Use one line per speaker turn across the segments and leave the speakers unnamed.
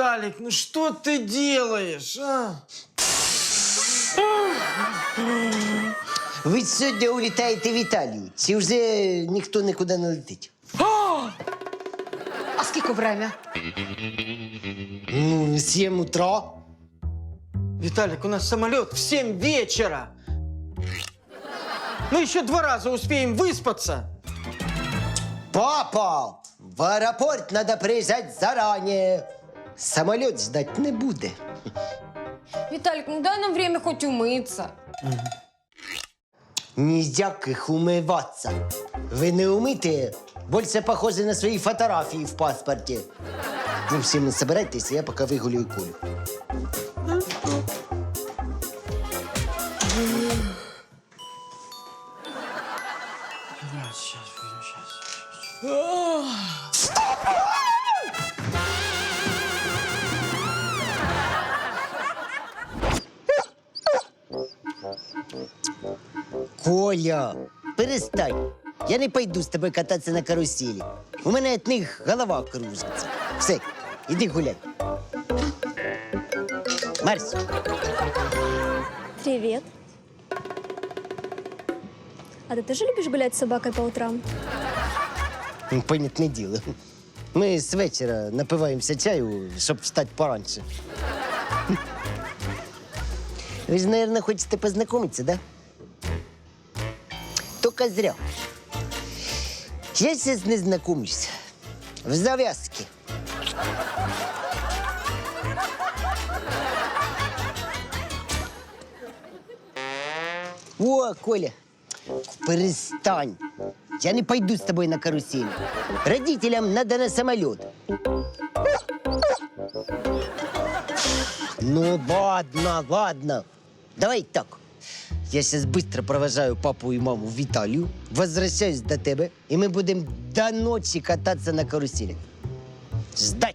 Виталик, ну что ты делаешь, а?
Ви сьогодні улітаєте в Італію. Чи вже ніхто нікуди не летить?
А скільки время?
7 утра.
Виталик, у нас самолет в 7 вечера. Мы еще 2 раза успеем выспаться.
Папа, в аеропорт треба приїжджати зарані. Самоліт ждать не буде.
Виталик, ну дай нам время хоть умыться.
Ніяких умиватися. Ви не умите, більше похоже на свої фотографії в паспорті. Ви всі не собирайтеся, я поки вигулюю Колю. Коля, перестань. Я не пойду з тобою кататися на каруселі. У мене від них голова кружиться. Все, іди гуляй. Марсь.
Привет. А ты тоже любишь гулять с собакой по утрам?
Понятне діло. Ми з вечора напиваємося чаю, щоб встати пораньше. Ви ж, мабуть, хочете познайомитися, да? Только зря. Я сейчас не знакомлюсь. В завязке. О, Коля, перестань. Я не пойду с тобой на карусель. Родителям надо на самолет. Ну, ладно, ладно. Давай так. Я сейчас быстро провожаю папу и маму в Италию, возвращаюсь до тебя, и мы будем до ночи кататься на карусели. Ждать!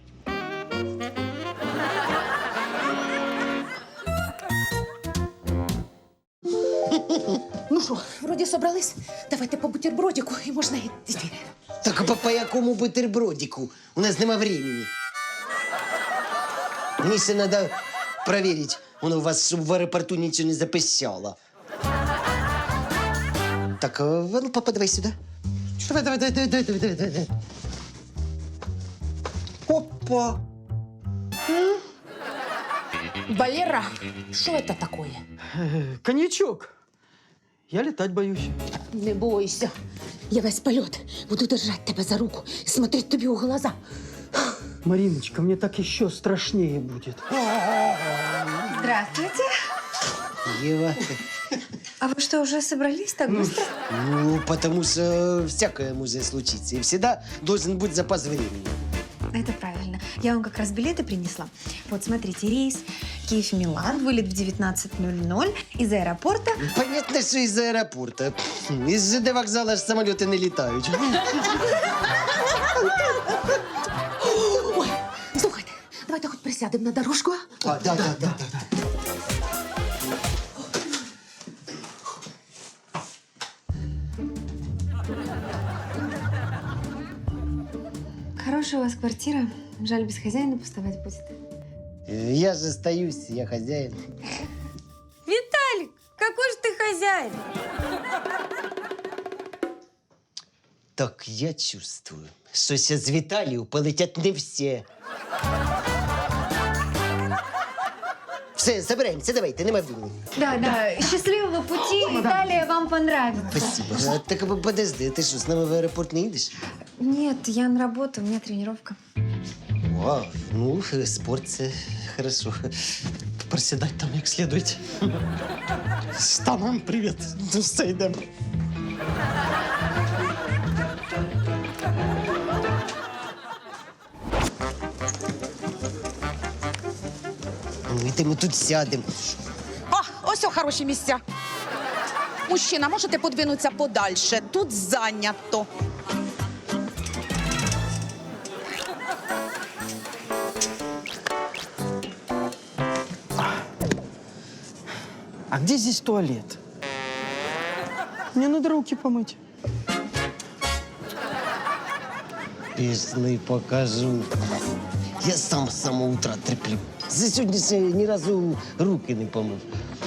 Ну що, вроді собрались? Давайте по бутербродику і можна йти.
Так по якому бутербродику? У нас нема времени. Мне ще надо проверить, у вас, чтобы в аэропорту ничего не запищало. Так, ну, папа, давай сюда. Давай. Опа!
Валера, що це таке?
Коньячок. Я летать боюсь.
Не бойся. Я весь польот буду держати тебе за руку і смотреть тобі у глаза.
Мариночка, мне так еще страшнее будет.
Здравствуйте.
Ева.
А вы что, уже собрались так быстро?
Ну, потому что всякое может случиться. И всегда должен быть запас времени.
Это правильно. Я вам как раз билеты принесла. Вот, смотрите, рейс Киев-Милан, вылет в 19:00 из аэропорта.
Понятно, что из аэропорта. Из ЖД вокзала ж самолеты не летают.
Ой, слухайте, давайте хоч присядемо на дорожку.
Да.
Хорошая у вас квартира. Жаль, без хозяина пустовать будет.
Я же остаюсь, я хозяин.
Виталик, какой же ты хозяин?
Так я чувствую, что сейчас в Италию полетят не все. Все, собираемся, давайте, нема времени.
Да. Счастливого пути. Италия вам понравится.
Спасибо. А, так подожди, ты что, с нами в аэропорт не едешь?
Нет, я на работу, у меня тренировка.
Вау, ну, спорт це хорошо. Проседать там як следует. Штанам привет. Ну, все, йдемо. Ну, і ми тут сядемо.
О, ось о, хороші місця. Мужчина, можете подвинутися подальше? Тут зайнято.
А где здесь туалет? Мне надо руки помыть.
Пішли покажу. Я сам з самого утра терплю. За сьогодні ще ні разу руки не помив.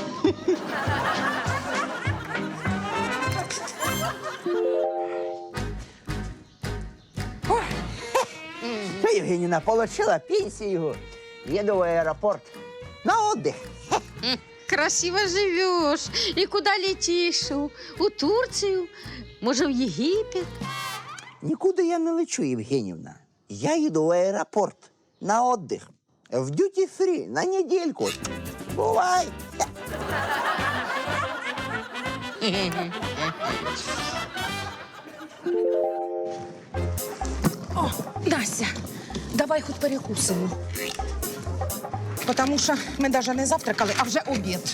Что, Евгеньевна, получила пенсию, еду в аэропорт на отдых.
Красиво живешь. И куда летишь? У Турцию? Може, в Єгипет?
Никуда я не лечу, Евгеньевна. Я еду в аэропорт на отдых. В дьюти-фри на недельку. Бывай.
О, Настя, давай хоч перекусимо. Тому що ми навіть не завтракали, а вже обід.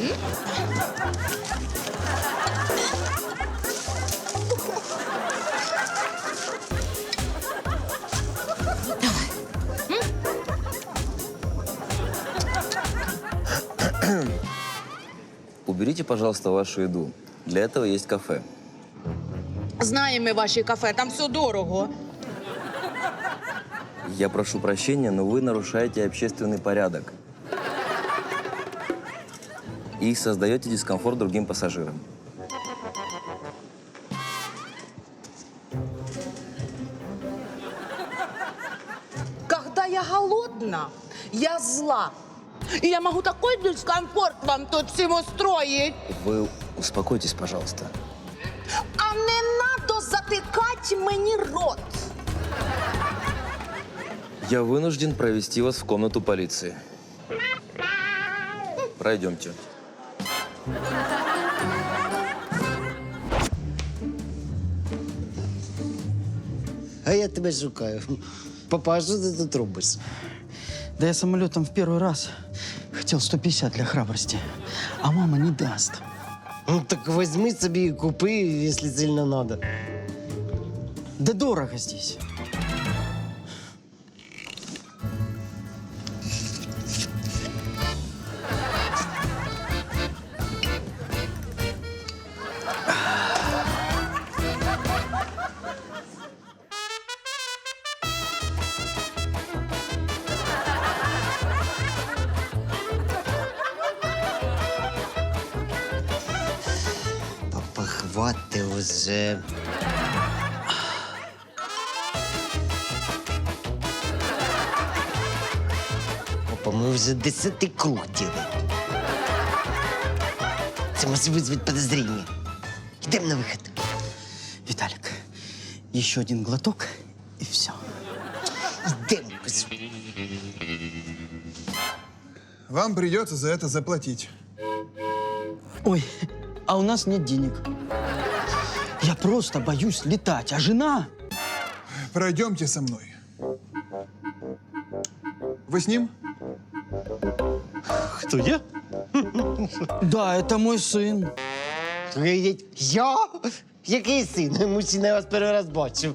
Уберите, пожалуйста, вашу еду. Для этого есть кафе.
Знаємо ми ваші кафе, там все дорого.
Я прошу прощения, но вы нарушаете общественный порядок. И создаете дискомфорт другим пассажирам.
Когда я голодна, я зла. И я могу такой дискомфорт вам тут всем устроить.
Вы успокойтесь, пожалуйста.
А не надо затыкать мені рот.
Я вынужден провести вас в комнату полиции. Пройдемте.
А я тебе шукаю. Папа, а що ти тут робиш?
Да я самолетом в первый раз хотел 150 для храбрости, а мама не даст.
Ну так возьми собі і купи, якщо сильно надо.
Да дорого здесь.
Папа, хвати уже. Папа, ми вже 10-й круг делаем. Це може визвати подозрение. Йдемо на вихід.
Виталик, еще один глоток и все.
Йдемо, кажу.
Вам придется за это заплатить.
Ой, а у нас нет денег. Я просто боюсь летать, а жена...
Пройдемте со мной. Вы с ним?
Кто, я? Да, это мой сын.
Я? Який син? Мужчина, я вас перший раз бачив.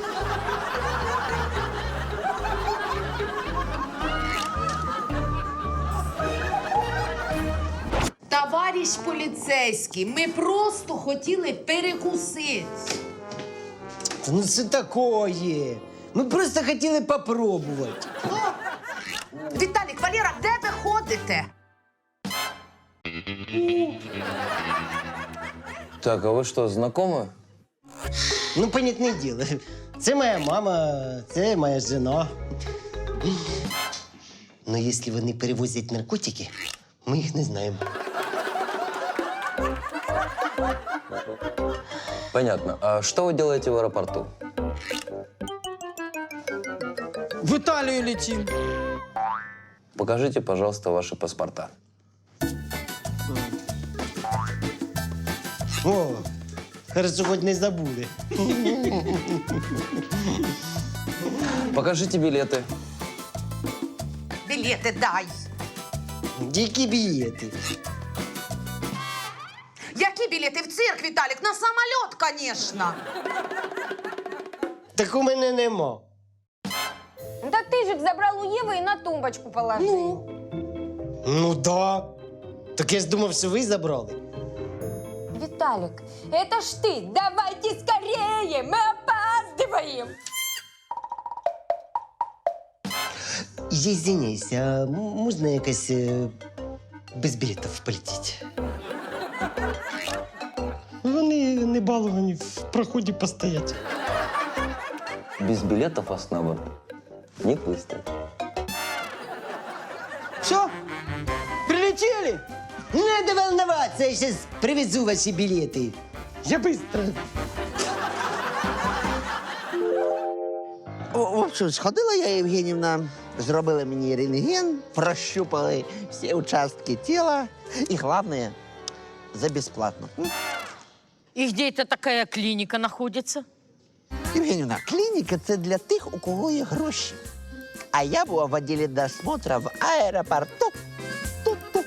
Товариш поліцейський, ми просто хотіли перекусити.
Та ну це такое. Ми просто хотіли попробувати.
Віталік, Валера, де ви ходите?
Так, а вы что, знакомы?
Ну, понятне діло. Це моя мама, це моя жена. Ну, якщо вони перевозять наркотики, ми їх не знаємо.
Понятно. А что вы делаете в аэропорту?
В Италию летим.
Покажите, пожалуйста, ваши паспорта.
О, хорошо, хоч не забули.
Покажите билеты.
Білети дай.
Які білети?
Які білети в цирк, Віталік? На самоліт, звісно.
Так у мене нема.
Да ты же их забрал у Евы и на тумбочку положил.
Ну да. Так я ж думав, що ви забрали.
Виталик, это ж ты! Давайте скорее! Мы опаздываем!
Я извиняюсь, а можна якось без білетів полетіти? Вони не баловані в проході постоять.
Без билетов вас на борт не пустят.
Все? Прилетели?
Не надо волноваться, я сейчас привезу ваши билеты. Я быстро.
В общем, сходила я, Євгенівна, зробили мені рентген, прощупали всі участки тіла і, головне, за безплатно.
И где это такая клиника находится?
Євгенівна, клініка – це для тих, у кого є гроші. А я була в відділі досмотра в аеропорту. Тут-тут.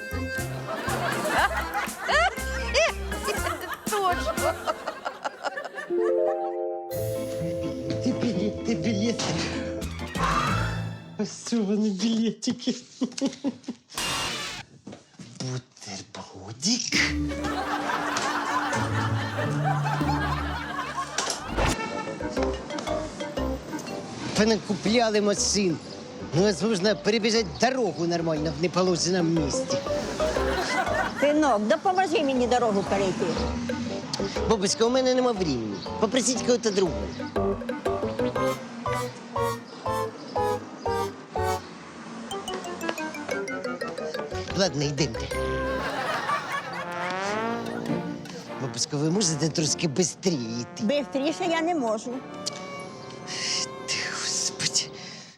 Билеты. Пассивные билетики. Бутербродик. Понакупляли машин. Ну, возможно, перебежать дорогу нормально в неположенном месте.
Синок, допоможи мені дорогу перейти.
Бабушка, у мене нема времени. Попросіть кого-то другого. Ладно, йдемте. Бабушка, ви можете трошки швидше йти?
Бистріше я не можу.
Ти, Господи.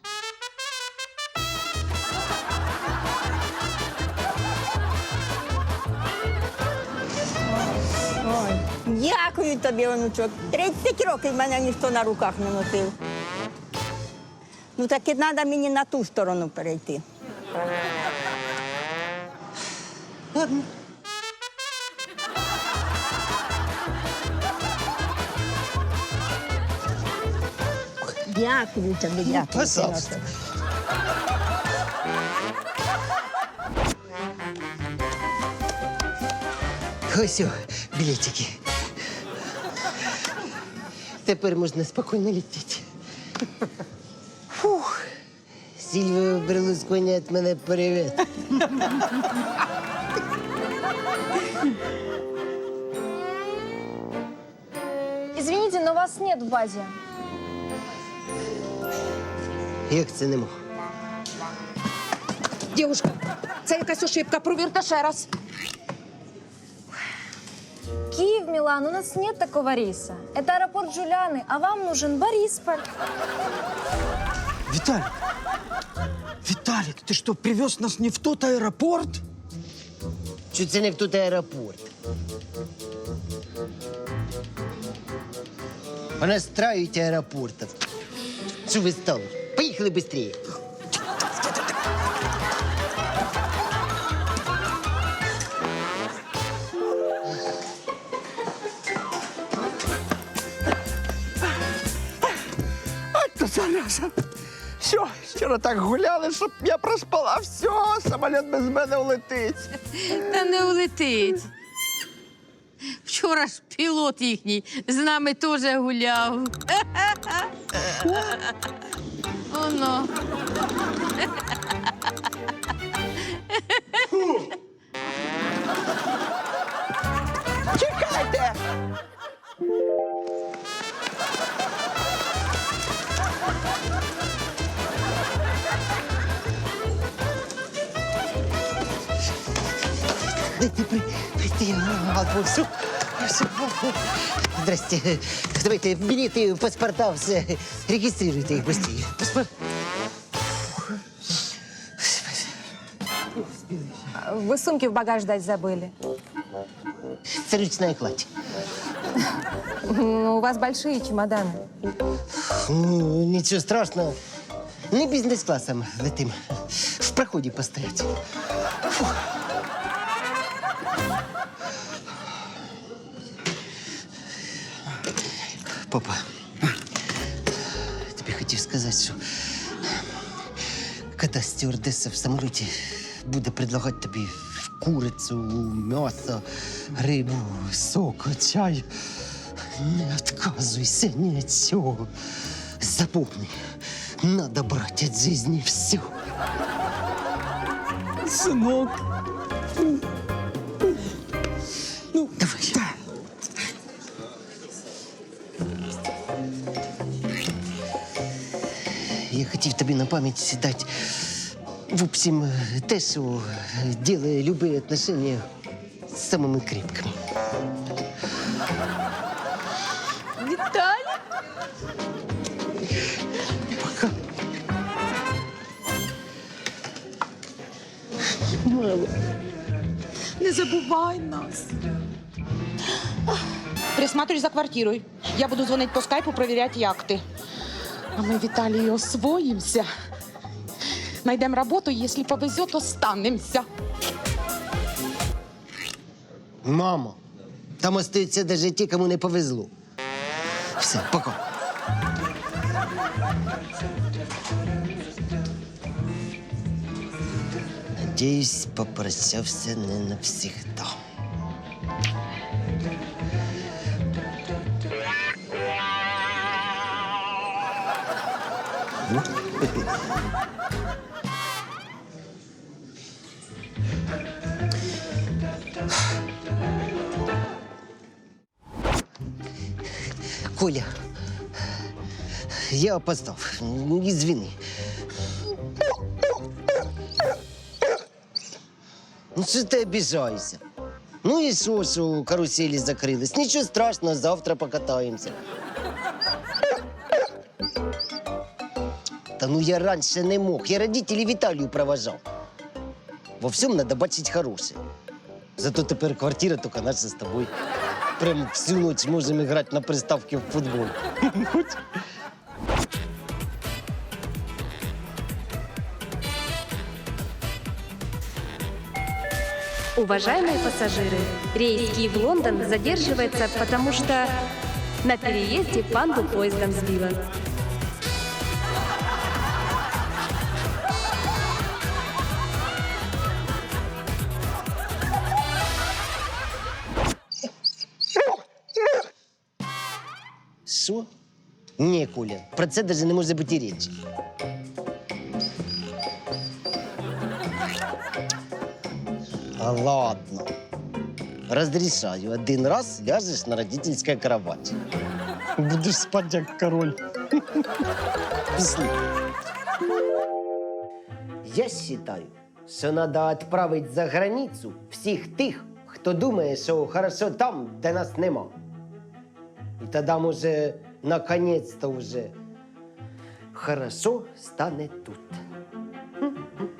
Ой, дякую тобі, онучок. 30 років мене ніхто на руках не носив. Ну так і треба мені на ту сторону перейти.
Ладно.
Дякую тобі, дякую.
Пожалуйста.
синочок.
Ось о, білетики. Тепер можна спокійно летіти. Фух. Сільвіо Берлусконі від мене привіт.
Извините, но вас нет в базе.
Як це не мог?
Дівушка, це якась ошибка. Провірте ще раз.
Киев, Милан, у нас нет такого рейса. Это аэропорт Джулианы, а вам нужен Борисполь.
Виталик! Виталик, ты что, привез нас не в тот аэропорт?
Що це не в тут аеропорт? Понастраивайте аэропортов. Що ви стали? Поїхали швидше.
Ото зараза. Все, вчора так гуляли, щоб я проспала. Все, самоліт без мене улетить.
Та не улетить. Вчора ж пілот їхній з нами теж гуляв. Оно.
Чекайте!
Дайте прийти Алфонсу. Здрасте. Давайте билеты, паспорта, все. Регистрируйте их быстрее. Паспорт.
Вы сумки в багаж дать забыли.
Это ручная кладь.
У вас большие чемоданы.
Ну, ничего страшного. Не бизнес-классом летим. В проходе постоять. Фух. Папа, тебе хотів сказати, що коли стюардеса в самоліті буде предлагати тобі курицю, м'ясо, рибу, сок, чай, не відказуйся ні від цього. Запомни, надо брати від життя все.
Сынок. Ну, давай. Да.
Я хотів тобі на пам'ять дати, в общем, те, що ділає любі отношения самими крепкими.
Виталик?
Пока.
Не забувай нас. Присматривай за квартирой. Я буду звонить по скайпу, проверять яхты. А мы в Италии освоимся. Найдем работу, если повезет, останемся.
Мамо, там остаються навіть ті, кому не повезло. Все, пока. Надіюсь, попрощався не навсегда. Коля, я опоздал. Извини. Ну, що ти обіжаєшся? Ну і що каруселі закрились? Нічого страшного, завтра покатаємося. Та ну я раніше не мог. Я родителей в Італію провожав. Во всьому треба бачити хороше. Зато тепер квартира тільки наша з тобою. Прям всю ночь можем играть на приставке в футбол.
Уважаемые пассажиры, рейс Киев-Лондон задерживается, потому что на переезде панду поездом сбила.
Що? Ні, Коля, про це навіть не може бути і речі. А ладно. Разрешаю. Один раз ляжешь на родительской кровати. Будешь спать, як король. Пішли. Я считаю, що треба відправити за границю всіх тих, хто думає, що хорошо там, де нас нема. І тоді, може, наконець-то вже хорошо стане тут.